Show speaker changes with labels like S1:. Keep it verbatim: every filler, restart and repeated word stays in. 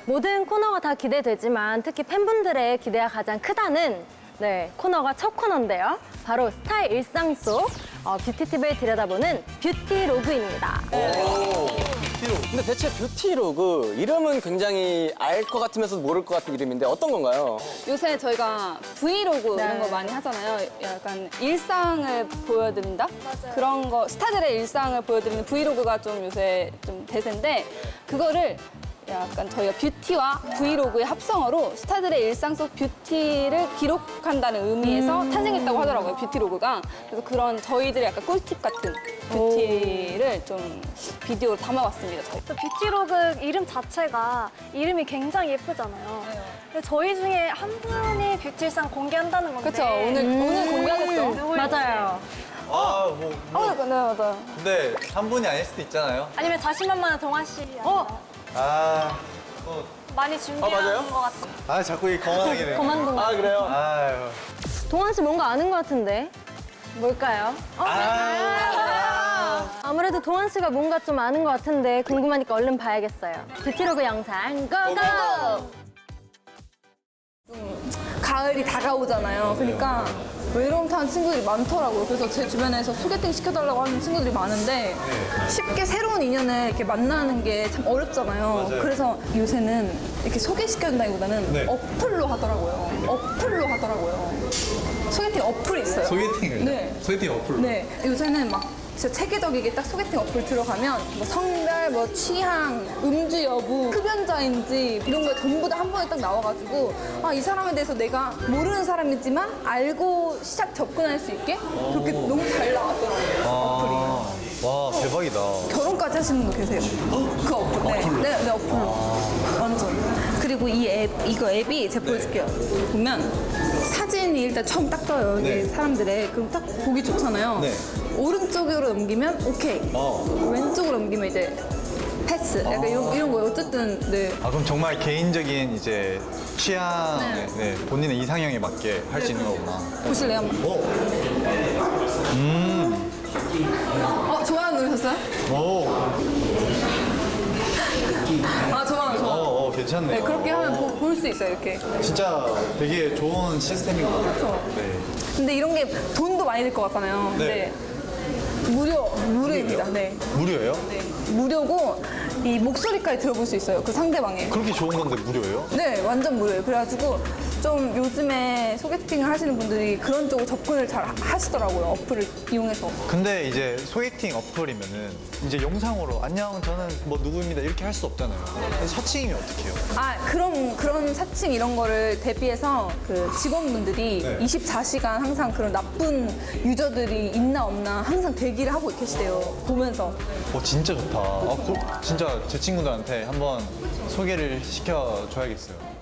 S1: 모든 코너가 다 기대되지만 특히 팬분들의 기대가 가장 크다는 네, 코너가 첫 코너인데요. 바로 스타의 일상 속 어, 뷰티팁을 들여다보는 뷰티로그입니다.
S2: 근데 대체 뷰티로그 이름은 굉장히 알 것 같으면서 모를 것 같은 이름인데 어떤 건가요?
S3: 요새 저희가 브이로그
S1: 네.
S3: 이런 거 많이 하잖아요. 약간 일상을 보여드린다? 맞아요. 그런 거, 스타들의 일상을 보여드리는 브이로그가 좀 요새 좀 대세인데, 그거를 약간 저희가 뷰티와 브이로그의 합성어로 스타들의 일상 속 뷰티를 기록한다는 의미에서
S1: 음.
S3: 탄생했다고 하더라고요, 뷰티로그가. 그래서 그런 저희들의 약간 꿀팁 같은 뷰티를 좀 비디오로 담아봤습니다, 저희.
S4: 또 뷰티로그 이름 자체가 이름이 굉장히 예쁘잖아요. 근데 저희 중에 한 분이 뷰티일상 공개한다는 건데.
S3: 그렇죠. 오늘, 오늘 공개하겠죠.
S4: 누구일지.
S1: 맞아요.
S5: 아, 뭐, 뭐.
S3: 어, 네, 맞아요.
S5: 근데 한 분이 아닐 수도 있잖아요.
S4: 아니면 자신만만한 동환 씨.
S1: 어?
S5: 아, 또.
S4: 많이 준비한
S2: 맞아요?
S4: 것 같아요.
S5: 아, 자꾸 이 거만하게.
S1: 거만동안.
S2: 아 그래요?
S5: 아유.
S1: 동환 씨 뭔가 아는 것 같은데 뭘까요? 어?
S5: 아.
S1: 아무래도 동환 씨가 뭔가 좀 아는 것 같은데 궁금하니까 얼른 봐야겠어요. 뷰티로그 영상 고고!
S3: 가을이 다가오잖아요. 그러니까 외로움 타는 친구들이 많더라고요. 그래서 제 주변에서 소개팅 시켜달라고 하는 친구들이 많은데 쉽게 새로운 인연을 이렇게 만나는 게 참 어렵잖아요.
S5: 맞아요.
S3: 그래서 요새는 이렇게 소개시켜준다기보다는
S5: 네.
S3: 어플로 하더라고요. 어플로 하더라고요. 소개팅 어플이 있어요.
S5: 소개팅을?
S3: 네.
S5: 소개팅 어플로?
S3: 네. 요새는 막 진짜 체계적이게 딱 소개팅 어플 들어가면 뭐 성별, 뭐 취향, 음주 여부, 흡연자인지 이런 거 전부 다 한 번에 딱 나와가지고 아, 이 사람에 대해서 내가 모르는 사람이지만 알고 시작 접근할 수 있게 그렇게 너무 잘 나왔더라고요. 어플이.
S5: 아, 와, 대박이다.
S3: 결혼까지 하시는 분 계세요. 그 어플. 네, 네, 네, 어플로. 완전. 그리고 이 앱, 이거 앱이 제가 보여줄게요. 보면 사진이 일단 처음 딱 떠요. 이게
S5: 네.
S3: 사람들의. 그럼 딱 보기 좋잖아요.
S5: 네.
S3: 오른쪽으로 넘기면 오케이.
S5: 어.
S3: 왼쪽으로 넘기면 이제 패스. 약간 이런, 이런 거예요. 어쨌든, 네.
S5: 아, 그럼 정말 개인적인 이제 취향, 네. 본인의 이상형에 맞게 할 수 있는 거구나.
S3: 보실래요? 한번?
S5: 오. 음.
S3: 어, 좋아요 누르셨어요?
S5: 오.
S3: 아, 좋아요,
S5: 어,
S3: 좋아요.
S5: 어, 괜찮네요.
S3: 네, 그렇게 하면 볼 수 있어요, 이렇게.
S5: 진짜 되게 좋은 시스템인 것 같아요. 네.
S3: 근데 이런 게 돈도 많이 들 것 같잖아요.
S5: 네.
S3: 근데 무료, 무료입니다. 네.
S5: 무료예요?
S3: 네. 무료고 이 목소리까지 들어볼 수 있어요. 그 상대방의.
S5: 그렇게 좋은 건데 무료예요?
S3: 네, 완전 무료예요. 그래가지고 좀 요즘에 소개팅을 하시는 분들이 그런 쪽으로 접근을 잘 하시더라고요. 어플을 이용해서.
S5: 근데 이제 소개팅 어플이면은 이제 영상으로 안녕 저는 뭐 누구입니다 이렇게 할 수 없잖아요. 사칭이면 어떻게 해요?
S3: 아, 그런, 그런 사칭 이런 거를 대비해서 그 직원분들이
S5: 네.
S3: 이십사 시간 항상 그런 나쁜 유저들이 있나 없나 항상 대기를 하고 계시대요. 보면서.
S5: 어 진짜 좋다. 아, 그, 진짜 제 친구들한테 한번 소개를 시켜줘야겠어요.